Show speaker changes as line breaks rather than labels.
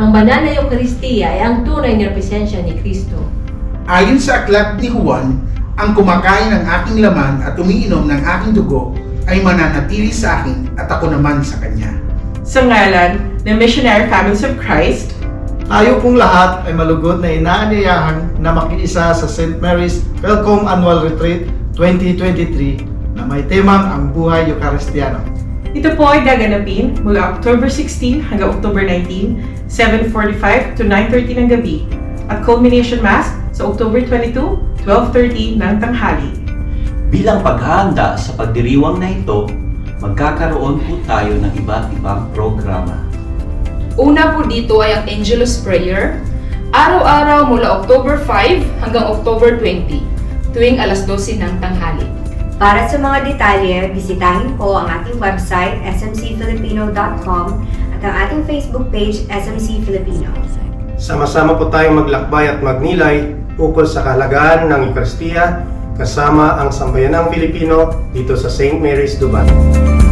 Ang banal na Eucharistia ay ang tunay na presensya ni Kristo.
Ayon sa aklat ni Juan, ang kumakain ng aking laman at umiinom ng aking dugo ay mananatili sa akin at ako naman sa kanya.
Sa ngalan ng Missionary Families of Christ,
Tayo pong lahat ay malugod na inaanyayahan na makiisa sa St. Mary's Welcome Annual Retreat 2023 na may temang ang buhay Eucharistiano.
ito po ay gaganapin mula October 16 hanggang October 19, 7:45 to 9:30 ng gabi at culmination mass sa October 22, 12:30 ng tanghali.
Bilang paghahanda sa pagdiriwang na ito, magkakaroon po tayo ng iba't ibang programa.
Una po dito ay ang Angelus Prayer, araw-araw mula October 5 hanggang October 20, tuwing alas 12 ng tanghali.
Para sa mga detalye, bisitahin po ang ating website smcfilipino.com at ang ating Facebook page SMC Filipino.
Sama-sama po tayong maglakbay at magnilay ukol sa kahalagahan ng Eucharistia kasama ang sambayanang Filipino dito sa St. Mary's Dubai.